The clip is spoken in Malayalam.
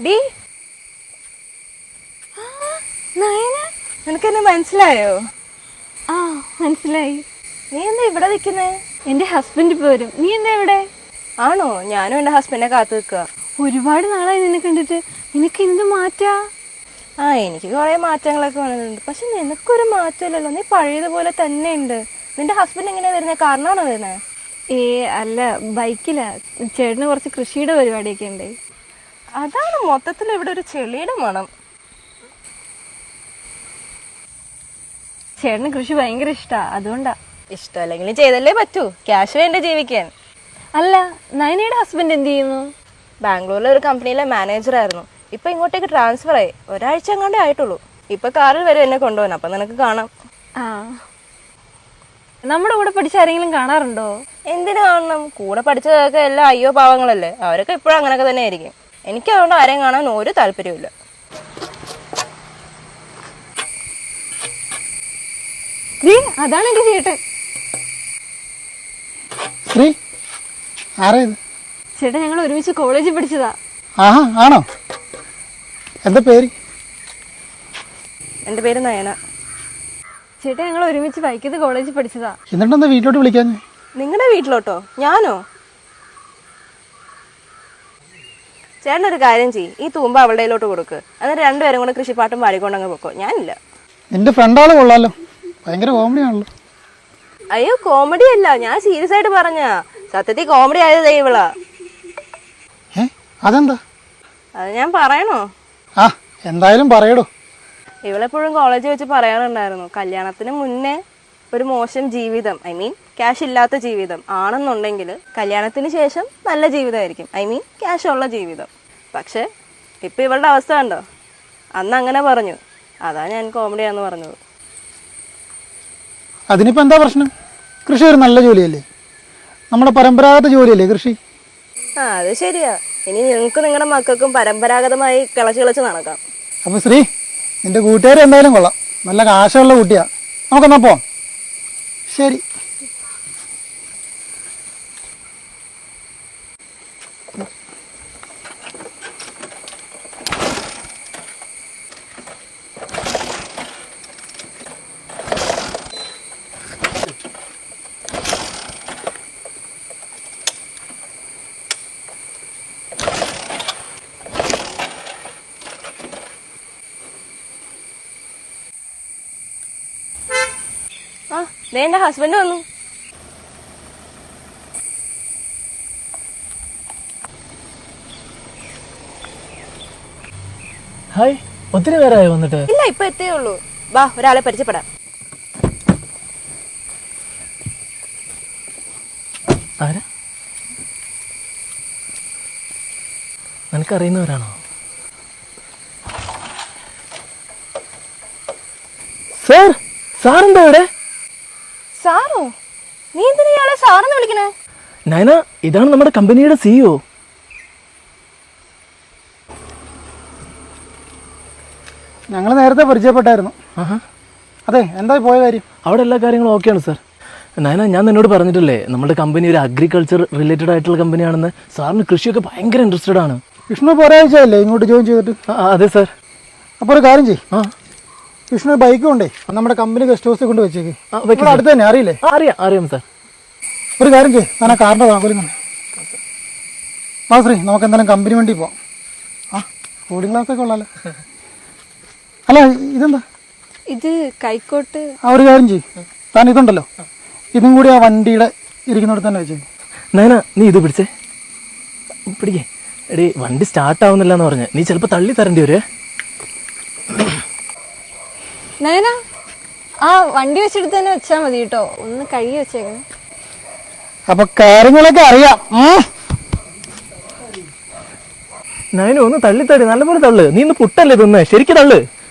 ഡി നയന, നിനക്കെന്നെ മനസ്സിലായോ? ആ മനസ്സിലായി. നീ എന്താ ഇവിടെ നിൽക്കുന്നേ? എന്റെ ഹസ്ബൻഡ് ഇപ്പൊ വരും. നീ എന്താ ഇവിടെ? ആണോ? ഞാനും എന്റെ ഹസ്ബൻഡിനെ കാത്തു നിൽക്കുക. ഒരുപാട് നാളായി നിന്നെ കണ്ടിട്ട്. നിനക്ക് എന്ത് മാറ്റാ? എനിക്ക് കുറെ മാറ്റങ്ങളൊക്കെ വന്നിട്ടുണ്ട്. പക്ഷെ നിനക്കൊരു മാറ്റമില്ലല്ലോ, നീ പഴയതുപോലെ തന്നെ ഉണ്ട്. നിന്റെ ഹസ്ബൻഡ് എങ്ങനെയാ വരുന്നത്? കാരണമാണോ വരുന്നത്? അല്ല, ബൈക്കിലാ. ചേട്ടന് കുറച്ച് കൃഷിയുടെ പരിപാടിയൊക്കെ ഉണ്ട്. അതാണ് മൊത്തത്തിൽ ഇവിടെ ഒരു ചെളിയുടെ മണം. ചേട്ടന് കൃഷി ഭയങ്കര ഇഷ്ടാ, അതുകൊണ്ടാ. ഇഷ്ടമല്ലെങ്കിൽ ചെയ്തല്ലേ പറ്റൂ, ക്യാഷ് വേണ്ട ജീവിക്കാൻ. അല്ല, നയനയുടെ ഹസ്ബൻഡ് എന്ത് ചെയ്യുന്നു? ബാംഗ്ലൂരിലെ ഒരു കമ്പനിയിലെ മാനേജർ ആയിരുന്നു. ഇപ്പൊ ഇങ്ങോട്ടേക്ക് ട്രാൻസ്ഫർ ആയി. ഒരാഴ്ച അങ്ങോട്ടേ ആയിട്ടുള്ളൂ. ഇപ്പൊ കാറിൽ വരും എന്നെ കൊണ്ടുപോകാൻ. അപ്പൊ നിനക്ക് കാണാം. ആ, നമ്മുടെ കൂടെ പഠിച്ച ആരെങ്കിലും കാണാറുണ്ടോ? എന്തിനു കാണണം? കൂടെ പഠിച്ചതൊക്കെ എല്ലാം അയ്യോ പാവങ്ങളല്ലേ. അവരൊക്കെ ഇപ്പോഴും അങ്ങനെയൊക്കെ തന്നെ ആയിരിക്കും. എനിക്ക് അതുകൊണ്ട് ആരെയും കാണാൻ ഒരു താല്പര്യമില്ല. അതാണ് എന്റെ ചേട്ടൻ. ശ്രീ, ആരാ ഇത്? ചേട്ടൻ ഞങ്ങൾ ഒരുമിച്ച് കോളേജിൽ പഠിച്ചതാ. ആഹാ, ആണോ? എന്താ പേര്? എന്റെ പേര് നയന. ചേട്ടൻ ഞങ്ങൾ ഒരുമിച്ച് ബൈക്കത്ത് കോളേജിൽ പഠിച്ചതാ. എന്നിട്ടെന്താ വീട്ടിലോട്ട് വിളിക്കാൻ? നിങ്ങളുടെ വീട്ടിലോട്ടോ? ഞാനോ? ചേട്ടൻ ഒരു കാര്യം ചെയ്യ്, ഈ തൂമ്പ അവളുടെയിലോട്ട് കൊടുക്ക്. എന്നിട്ട് രണ്ടുപേരും കൂടെ കൃഷിപ്പാട്ടും പാടിക്കൊണ്ടങ്ങ് പൊക്കോ. ഞാനില്ല. നിന്റെ ഫ്രണ്ടാള് കൊള്ളാലോ, ഭയങ്കര കോമഡി ആണല്ലോ. അയ്യോ, കോമഡി അല്ല, ഞാൻ സീരിയസ് ആയിട്ട് പറഞ്ഞ. സത്യത്തിൽ കോമഡി ആയത് ഇവളാ. അതെന്താ? അത് ഞാൻ പറയണോ? ആ, എന്തായാലും പറയടോ. ഇവളെപ്പോഴും കോളേജിൽ വെച്ച് പറയാറുണ്ടായിരുന്നു, കല്യാണത്തിന് മുന്നേ ഒരു മോശം ജീവിതം, ഐ മീൻ ക്യാഷ് ഇല്ലാത്ത ജീവിതം ആണെന്നുണ്ടെങ്കിൽ കല്യാണത്തിന് ശേഷം നല്ല ജീവിതമായിരിക്കും, ഐ മീൻ ക്യാഷ് ഉള്ള ജീവിതം. പക്ഷെ ഇപ്പൊ ഇവളുടെ അവസ്ഥ കണ്ടോ? അന്ന് അങ്ങനെ പറഞ്ഞു, അതാ ഞാൻ കോമഡിയാന്ന് പറഞ്ഞത്. അതിനിപ്പോ എന്താ പ്രശ്നം? കൃഷി ഒരു നല്ല ജോലിയല്ലേ, നമ്മുടെ പരമ്പരാഗത ജോലിയല്ലേ കൃഷി. അത് ശരിയാ. ഇനി നിങ്ങൾക്ക് നിങ്ങളുടെ മക്കൾക്കും പരമ്പരാഗതമായി കിളച്ച് നടക്കാം. അപ്പൊ ശ്രീ, നിന്റെ കൂട്ടുകാർ എന്തായാലും കൊള്ളാം, നല്ല കാശുള്ള കുട്ടിയാ. നമുക്കെന്നാ പോവാം. ശരി. എന്റെ ഹസ്ബൻഡ് വന്നു. ഹായ്, ഒത്തിരി പേരായോ വന്നിട്ട്? ഇല്ല, ഇപ്പൊ എത്തേ ഉള്ളൂ. വാ, ഒരാളെ പരിചയപ്പെടാം. ആരാ? നിനക്കറിയുന്നവരാണോ? സാർ, സാറെന്താ ഇവിടെ? സാറോ? നീ എന്തിനാ ഇയാളെ സാറെന്ന് വിളിക്കണേ? നയന, ഇതാണ് നമ്മുടെ കമ്പനിയുടെ സിഇഒ. ഞങ്ങൾ നേരത്തെ പരിചയപ്പെട്ടായിരുന്നു. അതെ, എന്തായി പോയ കാര്യം? അവിടെ എല്ലാ കാര്യങ്ങളും ഓക്കെയാണ് സാർ. നയന, ഞാൻ നിന്നോട് പറഞ്ഞിട്ടില്ലേ നമ്മുടെ കമ്പനി ഒരു അഗ്രികൾച്ചർ റിലേറ്റഡ് ആയിട്ടുള്ള കമ്പനിയാണെന്ന്. സാറിന് കൃഷിയൊക്കെ ഭയങ്കര ഇൻട്രസ്റ്റഡ് ആണ്. വിഷ്ണു ഇപ്പോൾ ഒരാഴ്ചയല്ലേ ഇങ്ങോട്ട് ജോയിൻ ചെയ്തിട്ട്? അതെ സാർ. അപ്പോൾ ഒരു കാര്യം ചെയ്യും, വിഷ്ണു ബൈക്ക് കൊണ്ടേ നമ്മുടെ കമ്പനി ഗസ്റ്റ് ഹൗസിൽ കൊണ്ട് വെച്ചേക്ക്. അടുത്ത് തന്നെ അറിയില്ലേ? അറിയാം സാർ. ഒരു കാര്യം ചെയ്യും, ഞാൻ ആ കാറിൻ്റെ താക്കോലും തന്നെ. ആ ശ്രീ, നമുക്ക് എന്തായാലും കമ്പനി വണ്ടി പോവാം. ആ, കൂളിംഗ് ഗ്ലാസ് ഒക്കെ ഉള്ളല്ലോ. അല്ല, ഇതെന്താ? ഇത് കൈക്കോട്ട്. ആ, ഒരു കാര്യം ചെയ്യും, താൻ ഇതുണ്ടല്ലോ, ഇതും കൂടി ആ വണ്ടിയുടെ ഇരിക്കുന്നിടത്ത് തന്നെ വെച്ചേക്ക്. നയന, നീ ഇത് പിടിച്ചേ. പിടിക്കേ. എടീ, വണ്ടി സ്റ്റാർട്ട് ആവുന്നില്ല എന്ന് പറഞ്ഞ് നീ ചിലപ്പോൾ തള്ളി തരേണ്ടി വരുവേ. നയന, ആ വണ്ടി വെച്ചെടുത്ത് തന്നെ വെച്ചാൽ മതി കേട്ടോ, ഒന്ന് കഴുകി വെച്ചേക്കണം. അപ്പൊ കാര്യങ്ങളൊക്കെ അറിയാം. നയന, ഒന്ന് തള്ളിത്തടി, നല്ലപോലെ തള്ളു. നീ ഇന്ന് പുട്ടല്ലേ തിന്നേ, ശരിക്കും തള്ളു.